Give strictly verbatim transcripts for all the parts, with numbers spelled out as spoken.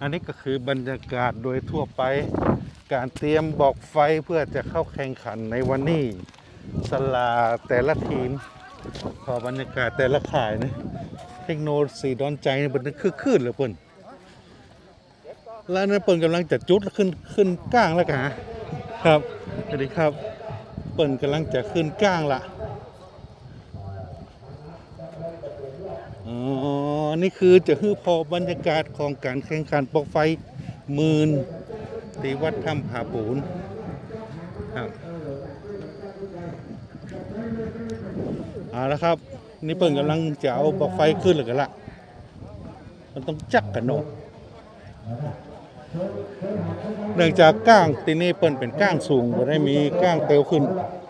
อันนี้ก็คือบรรยากาศโดยทั่วไปการเตรียมบอกไฟเพื่อจะเข้าแข่งขันในวันนี้สลาแต่ละทีมพอบรรยากาศแต่ละข่ายนะเทคโนโลยีดอนใจนี่เป็นคือขึ้นเลยเปิ้นแล้วนั่นเปิ้นกำลังจะจุดขึ้นขึ้นก้างแล้วกันครับสวัสดีครับเปิ้นกำลังจะขึ้นก้างละอ๋อนี่คือจะคือพอบรรยากาศของการแข่งขันปอกไฟหมื่นที่วัดถ้ำผาปูนครับเอาละครับนี่เปิ้นกำลังจะเอาปอกไฟขึ้นหรือกันละมันต้องจักกันเนาะเนื่องจากก้างที่นี่เปิ้นเป็นก้างสูงบ่ได้มีก้างเตียวขึ้น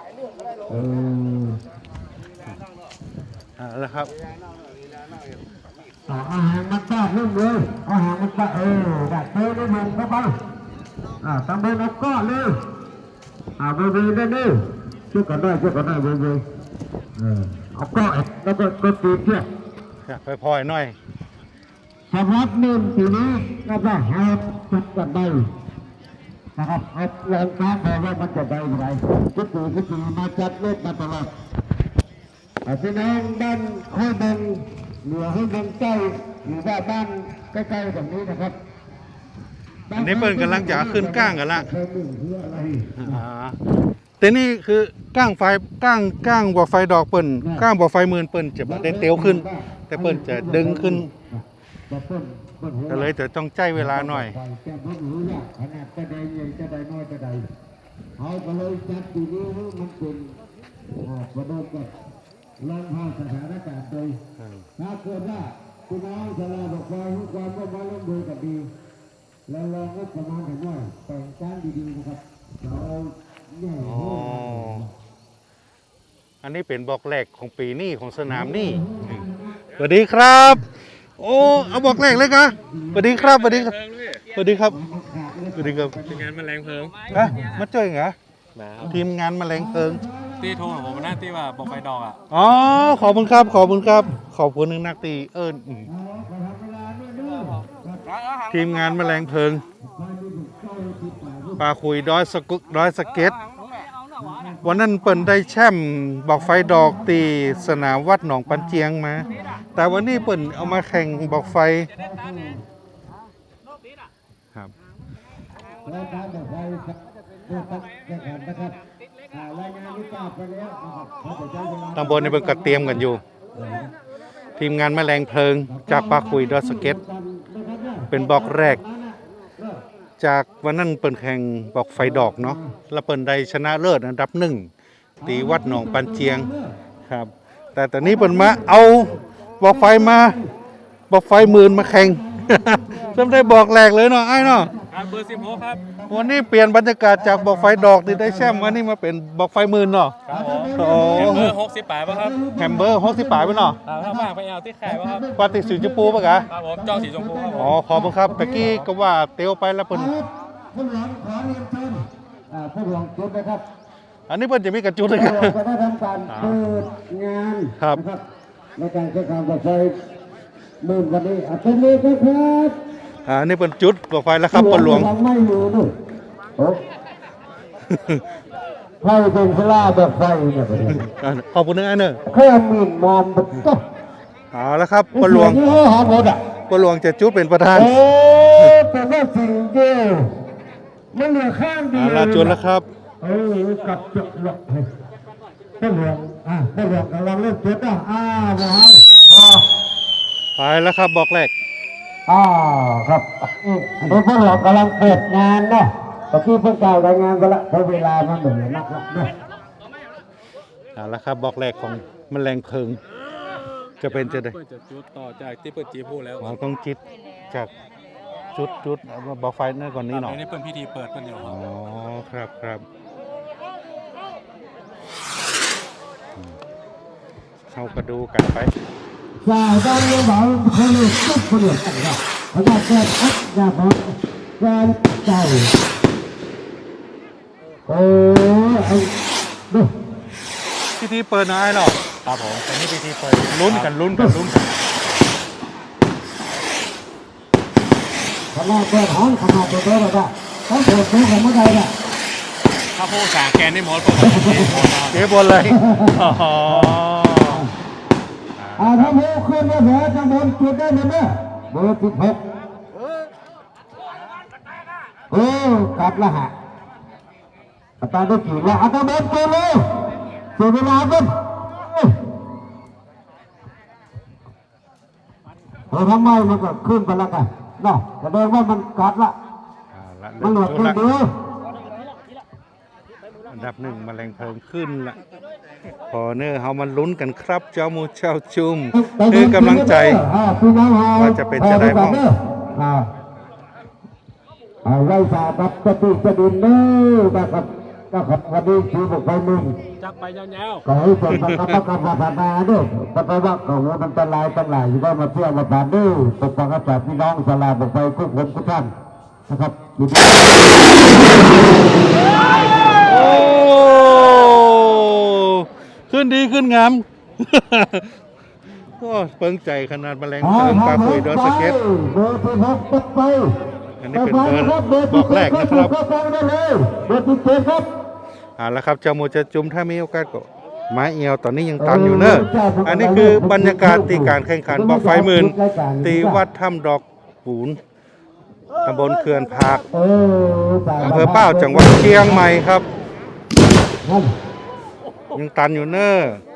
เอาละครับอาหารมันตากเรื่องเลยอาหารมันตากเออดัดเตยได้มันเข้าไปอ่าตามเบอร์นับก้อนเลยอ่าเบอร์เบอร์ได้เลยช่วยกันได้ช่วยกันได้เบอร์เบอร์เออเอาก้อนแล้วก็ก็ตีเทียบไปพอยหน่อยสำหรับหนึ่งปีนี้ก็ได้หาจัดกันได้นะครับเอาแรงค้าพอว่ามันจะได้ยังไงทุกปีทุกปีมาจัดเล่นมาตลอดพี่น้องด้านห้วยบงเหนือห้วยบงใต้หรือว่าบ้านใกล้ๆแบบนี้นะครับอันนี้เปิ้นกำลังจะขึ้นก้างกันละแต่นี่คือก้างไฟก้างก้างบ่อไฟดอกเปิ้นก้างบ่อไฟหมื่นเปิ้นจะบ่ได้เตียวขึ้นแต่เปิ้นจะดึงขึ้นก็เลยจะต้องใจเวลาหน่อยเอาไปเลยจัดปีนี้มันเป็นประเดิมกับลองพาสถานการณ์โดยถ้าเกิดว่าคุณน้องสลาบอกว่าความร่วมมือร่วมมือกับดีแล้วลองงบประมาณกันหน่อยแต่งการดีๆนะครับเราเนี่ยอันนี้เป็นบอกแรกของปีนี้ของสนามนี่สวัสดีครับโอ้เอาบอกแรกเลยกะสวัสดีครับสวัสดีครับสวัสดีครับสวัสดีครับทีมงานแมลงเพลิงอะมาเจอเหรอทีมงานแมลงเพลิงตีโทรของผมหน้าตีว่าบอกไฟดอกอ่ะอ๋อขอบคุณครับขอบคุณครับขอบคุณหนึ่งนักตีเอิญทีมงานแมลงเพลิงปลาคุยดอยสกุกดอยสเก็ตวันนั้นเปิ่นได้แช่มบอกไฟดอกตีสนามวัดหนองปันเจียงมาแต่วันนี้เปิ่นเอามาแข่งบอกไฟครับตำบลในเบิ่งกระเตรียมกันอยู่ทีมงานแมลงเพลิงจากปลาคุยดอยสเก็ตเป็นบอกแรกจากวันนั้นเปิ่นแข่งบอกไฟดอกเนาะแล้วเปิ่นได้ชนะเลิศอันดับหนึ่งตีวัดหนองปันเจียงครับแต่ตอนนี้เปิ่นมาเอาบอกไฟมาบอกไฟหมื่นมาแข่งจำได้บอกแรกเลยเนาะไอ้เนาะเบอร์สิบหกครับวันนี้เปลี่ยนบรรยากาศจากบอกไฟดอกที่ได้แชมป์วันนี้มาเป็นบอกไฟหมื่นเนาะโอ้แฮมเบอร์หกสิบแปดป่ะครับแฮมเบอร์หกสิบแปดป่ะเนาะถ้าว่างไปเอาที่ไข่ป่ะครับปาติสีชมพูป่ะกะครับผมจองสีชมพูครับอ๋อขอบคุณครับตะกี้ก็ว่าเตียวไปแล้วเปิ้นผู้หลวงขอเรียนเชิญผู้หลวงจุดนะครับอันนี้เปิ้นจะมีกระจุดเลยครับจะได้ทำการเปิดงานครับในการแข่งขันบอกไฟหมื่นวันนี้อ่ะเป็นเลยครับอ่านี่เป็นจุดบอกไฟแล้วครับปนหลวงไม่อยู่นู่นโอ้ไฟเป็นสลาแบบไฟเนี่ยขอบคุณนะไอ้เนอะแค่หมื่นมอนก็เอาแล้วครับปนหลวงปนหลวงจะจุดเป็นประธานโอ้แต่ว่าสิ่งเดียวมันเหลือข้างเดียวลาจุดแล้วครับเออกลับจุดหลอกปนหลวงอ่ะปนหลวงกำลังเล่นจุดอ่ะอ้าวว้าวไปแล้วครับบอกแรกอ่าครับนี่พวกเรากำลังเปิดงานเนาะตะกี้เพิ่งกล่าวรายงานกันละเพราะเวลามันเหมือนนักละเนาะเอาละครับบอกแรกของแมลงเพลิงจะเป็นจะได้จะจุดต่อจากที่เปิดจีพูดแล้วเราต้องจิตจากจุดจุดบอกไฟนั่นก่อนนี้หน่อยนี่เป็นพิธีเปิดเป็นอยู่อ๋อครับครับเข้ากระดูกันไปใช่ตอนนี้บอกเขาเรียกตุ๊กเขาเรียกอะไรนะเขาจะเกิดอัดยาบอกการใจโอ้ไอ้ดูพิธีเปิดนายหรอครับผมแต่นี่พิธีเปิดลุ้นกันลุ้นกันลุ้นกันขนาดเปิดห้องขนาดเปิดเปิดอะไรต้องเปิดเปิดของเมื่อใดเนี่ยถ้าพูดสาแกนได้หมดเปิดประตูหมดเจ๊บนเลยอ๋ออ่าถ้าโมขึ้นมาเหนือจังบนจุดได้เลยเนี่ยเบอร์สิบหกเออกลับละฮะอาจารย์ได้กี่ละอาจารย์บนตัวเลยเสียเวลาขึ้นเออทำไมมันก็ขึ้นไปแล้วกันเนาะแสดงว่ามันกัดละเอาละมันหลเริ่ดมขึ้นละเด้ออันดับหนึ่งแมลงเพลิงขึ้นละพอเนอร์เฮามันลุ้นกันครับ เจ้ามูเจ้าจุ่มคือกำลังใจ ว่าจะเป็นจะได้บ้างอ่าเอาไว้สาบับสติสดินเด้อนะครับนะครับวันนี้คือบุกไปมึงจักไปยาวขอให้ส่วนประกอบกับพัฒนาด้วยแต่ไปว่าของมันตรายตั้งหลายอยู่ได้มาเที่ยวมาผ่านด้วยปกป้องอาจารย์พี่น้องสลาบุกไปทุกคนทุกท่านนะครับอยู่ที่โอ้ขึ้นดีขึ้นงาม ก็เปิงใจขนาดแมลงเพลิงปลาคุยดอสเก็ตเบอร์ที่หกตกไปอันนี้เป็นเบอร์บอกแรกนะครับก็ฟังได้เลยเบอร์ที่เจ็ดครับเอาละครับเจ้ามูจะจุ่มถ้ามีโอกาสก็ไม้เอียวตอนนี้ยังตันอยู่เนอะอันนี้คือบรรยากาศตีการแข่งขันบอกไฟหมื่นตีวัดถ้ำดอกปูนตำบลเขื่อนผากเอออำเภอเป้าจังหวัดเชียงใหม่ครับ ยังตันอยู่เนอะ